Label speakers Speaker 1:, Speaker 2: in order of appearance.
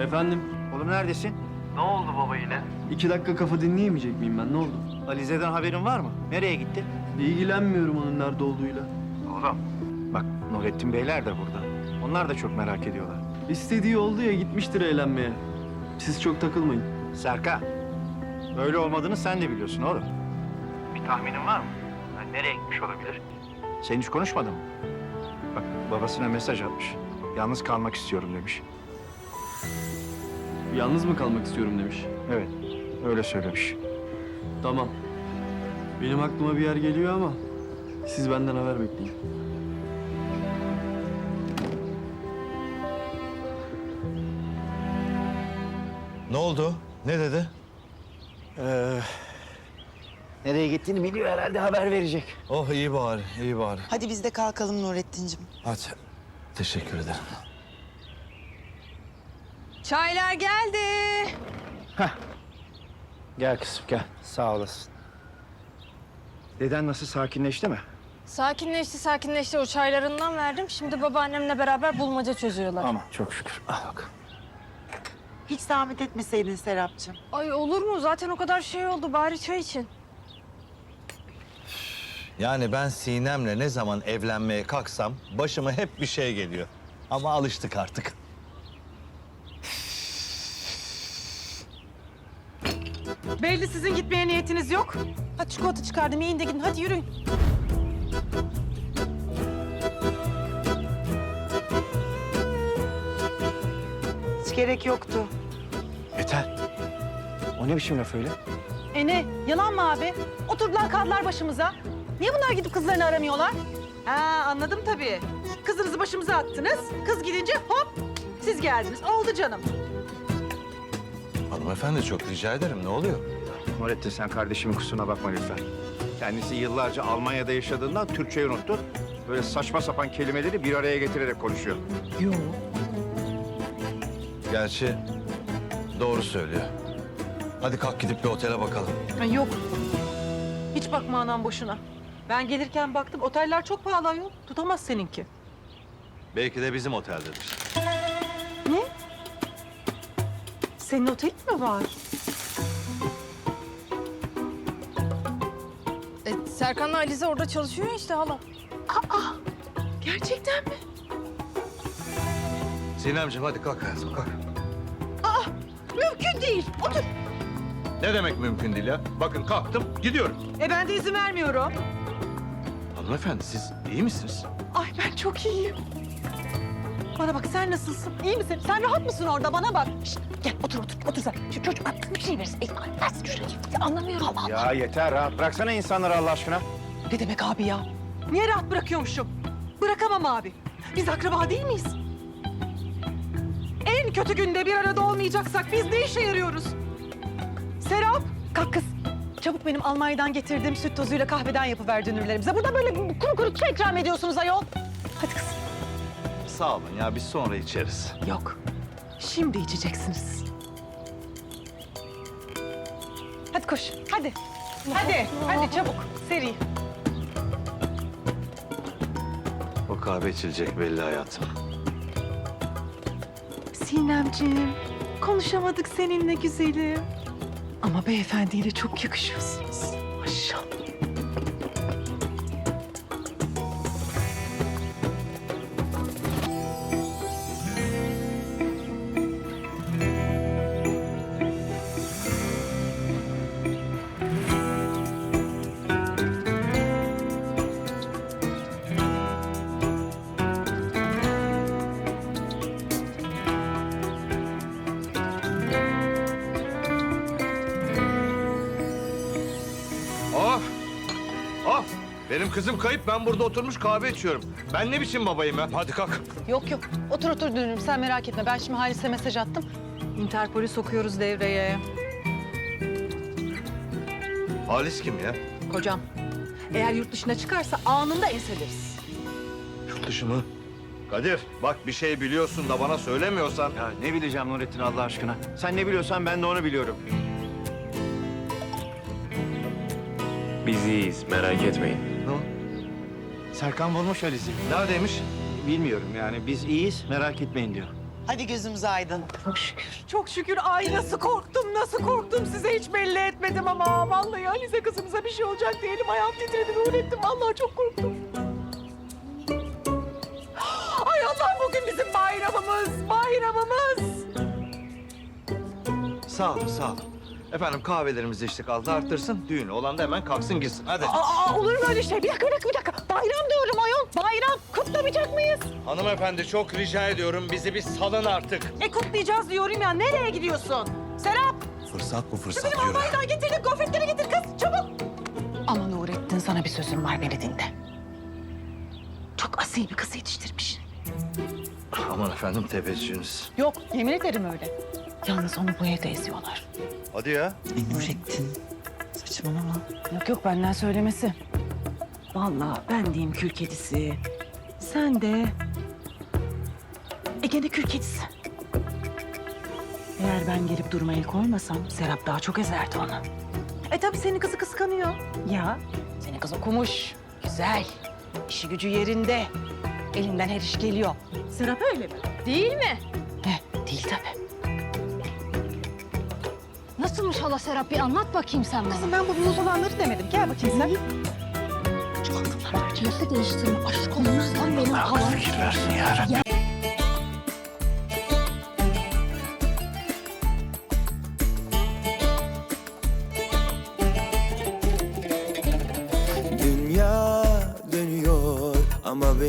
Speaker 1: Efendim?
Speaker 2: Oğlum neredesin?
Speaker 3: Ne oldu baba yine?
Speaker 1: 2 dakika kafa dinleyemeyecek miyim ben? Ne oldu?
Speaker 2: Alize'den haberin var mı? Nereye gitti?
Speaker 1: İlgilenmiyorum onun nerede olduğuyla.
Speaker 2: Oğlum. Bak Nurettin Beyler de burada. Onlar da çok merak ediyorlar.
Speaker 1: İstediği oldu ya, gitmiştir eğlenmeye. Siz çok takılmayın.
Speaker 2: Serkan. Böyle olmadığını sen de biliyorsun oğlum. Bir tahminin var mı? Yani nereye gitmiş olabilir? Sen hiç konuşmadın mı? Bak babasına mesaj atmış. Yalnız kalmak istiyorum demiş.
Speaker 1: Yalnız mı kalmak istiyorum demiş.
Speaker 2: Evet. Öyle söylemiş.
Speaker 1: Tamam. Benim aklıma bir yer geliyor ama siz benden haber bekleyin.
Speaker 4: Ne oldu? Ne dedi?
Speaker 2: Nereye gittiğini biliyor herhalde, haber verecek.
Speaker 4: Oh iyi bari, iyi bari.
Speaker 5: Hadi biz de kalkalım Nurettin'cim.
Speaker 4: Hadi. Teşekkür ederim.
Speaker 6: Çaylar geldi.
Speaker 2: Gel kızım gel. Sağ olasın. Deden nasıl, sakinleşti mi?
Speaker 6: Sakinleşti. O çaylarından verdim. Şimdi babaannemle beraber bulmaca çözüyorlar.
Speaker 2: Aman çok şükür. Al bak.
Speaker 5: Hiç zahmet etmeseydin Serapcığım.
Speaker 6: Ay olur mu? Zaten o kadar şey oldu. Bari çay için.
Speaker 4: Yani ben Sinem'le ne zaman evlenmeye kalksam başıma hep bir şey geliyor. Ama alıştık artık.
Speaker 7: Belli sizin gitmeye niyetiniz yok. Hadi çikolata çıkardım, yiyin de gidin. Hadi yürüyün.
Speaker 5: Hiç gerek yoktu.
Speaker 2: Yeter. O ne biçim laf öyle?
Speaker 7: Ne? Yalan mı abi? Oturdular kaldılar başımıza. Niye bunlar gidip kızlarını aramıyorlar? Ha anladım tabii. Kızınızı başımıza attınız. Kız gidince hop siz geldiniz. Oldu canım.
Speaker 4: Hanımefendi çok rica ederim. Ne oluyor?
Speaker 2: Nurettin sen kardeşimin kusuruna bakma lütfen. Kendisi yıllarca Almanya'da yaşadığından Türkçeyi unuttu. Böyle saçma sapan kelimeleri bir araya getirerek konuşuyor.
Speaker 7: Yok.
Speaker 4: Gerçi doğru söylüyor. Hadi kalk gidip bir otele bakalım.
Speaker 7: Yok. Hiç bakma anam boşuna. Ben gelirken baktım oteller çok pahalı ayol. Tutamaz seninki.
Speaker 4: Belki de bizim oteldedir.
Speaker 7: Ne? Senin otelin mi var?
Speaker 6: Serkan'la Alize orada çalışıyor ya işte hala.
Speaker 7: Gerçekten mi?
Speaker 4: Sinemciğim hadi kalk hayatım kalk.
Speaker 7: Mümkün değil. Otur.
Speaker 4: Ne demek mümkün değil ya? Bakın kalktım gidiyorum.
Speaker 7: Ben de izin vermiyorum.
Speaker 4: Hanımefendi siz iyi misiniz?
Speaker 7: Ay ben çok iyiyim. Bana bak sen nasılsın? İyi misin? Sen rahat mısın orada? Bana bak. Şişt, gel otur sen. Şu çocuk atsın bir şey versin. Versin şuraya. Anlamıyorum. Allah Allah.
Speaker 2: Ya yeter, rahat bıraksana insanları Allah aşkına.
Speaker 7: Ne demek abi ya? Niye rahat bırakıyormuşum? Bırakamam abi. Biz akraba değil miyiz? En kötü günde bir arada olmayacaksak biz ne işe yarıyoruz? Serap, kalk kız. Çabuk benim Almanya'dan getirdiğim süt tozuyla kahveden yapıver dünürlerimize. Burada böyle kuru kuru çay ikram ediyorsunuz ayol. Hadi kız.
Speaker 4: Sağ olun ya biz sonra içeriz.
Speaker 7: Yok. Şimdi içeceksiniz. Hadi koş. Hadi. Hadi çabuk. Seri.
Speaker 4: O kahve içilecek belli hayatım.
Speaker 7: Sinemciğim, konuşamadık seninle güzelim. Ama beyefendiyle çok yakışıyorsunuz. Maşallah.
Speaker 4: Of! Of! Benim kızım kayıp, ben burada oturmuş kahve içiyorum. Ben ne biçim babayım ya? Hadi kalk.
Speaker 7: Yok. Otur dünürüm sen merak etme. Ben şimdi Halis'e mesaj attım. Interpol'ü sokuyoruz devreye.
Speaker 4: Halis kim ya?
Speaker 7: Kocam. Eğer yurt dışına çıkarsa anında enseleriz.
Speaker 4: Yurt dışı mı? Kadir, bak bir şey biliyorsun da bana söylemiyorsan...
Speaker 2: Ya ne bileceğim Nurettin Allah aşkına. Sen ne biliyorsan ben de onu biliyorum.
Speaker 3: Biz iyiyiz, merak etmeyin.
Speaker 4: Ne?
Speaker 2: Serkan bulmuş Alize'yi.
Speaker 4: Neredeymiş?
Speaker 2: Bilmiyorum yani, biz iyiyiz, merak etmeyin diyor.
Speaker 5: Hadi gözümüz aydın.
Speaker 7: Çok şükür. Ay nasıl korktum. Size hiç belli etmedim ama vallahi Alize kızımıza bir şey olacak diye elim ayağım titredi Nurettin. Vallahi çok korktum. Ay Allah, bugün bizim bayramımız.
Speaker 4: Sağ olun, sağ olun. Efendim kahvelerimizi içtik, Allah arttırsın. Düğün olan da hemen kalksın gitsin. Hadi.
Speaker 7: Olur mu öyle şey? Bir dakika. Bayram diyorum ayol. Bayram. Kutlamayacak mıyız?
Speaker 4: Hanımefendi çok rica ediyorum bizi bir salın artık.
Speaker 7: Kutlayacağız diyorum ya. Nereye gidiyorsun? Serap.
Speaker 4: Fırsat bu fırsat
Speaker 7: Benim almaydan getirdim. Gofretleri getir kız. Çabuk. Ama Nurettin, sana bir sözüm var, beni dinle. Çok asil bir kız yetiştirmiş.
Speaker 4: Aman efendim teveccühünüz.
Speaker 7: Yok, yemin ederim öyle. Yalnız onu bu evde eziyorlar.
Speaker 4: Hadi ya.
Speaker 5: Nurettin. Saçmalama.
Speaker 7: Yok benden söylemesi. Vallahi ben diyeyim kül kedisi. Sen de Ege'de kül kedisi. Eğer ben gelip duruma el koymasam Serap daha çok ezerdi onu. Tabii senin kızı kıskanıyor. Ya senin kız okumuş, güzel, işi gücü yerinde. Elinden her iş geliyor. Serap öyle mi?
Speaker 6: Değil mi?
Speaker 7: Değil tabii.
Speaker 6: Nasılmış hala Serap? Bir anlat bakayım sen bana.
Speaker 7: Kızım ben bu muz olanları demedim. Gel bakayım sen.
Speaker 6: Nasıl değiştirme? Aşk olmazsan benim halam.
Speaker 2: Versin ya.
Speaker 8: Dünya dönüyor ama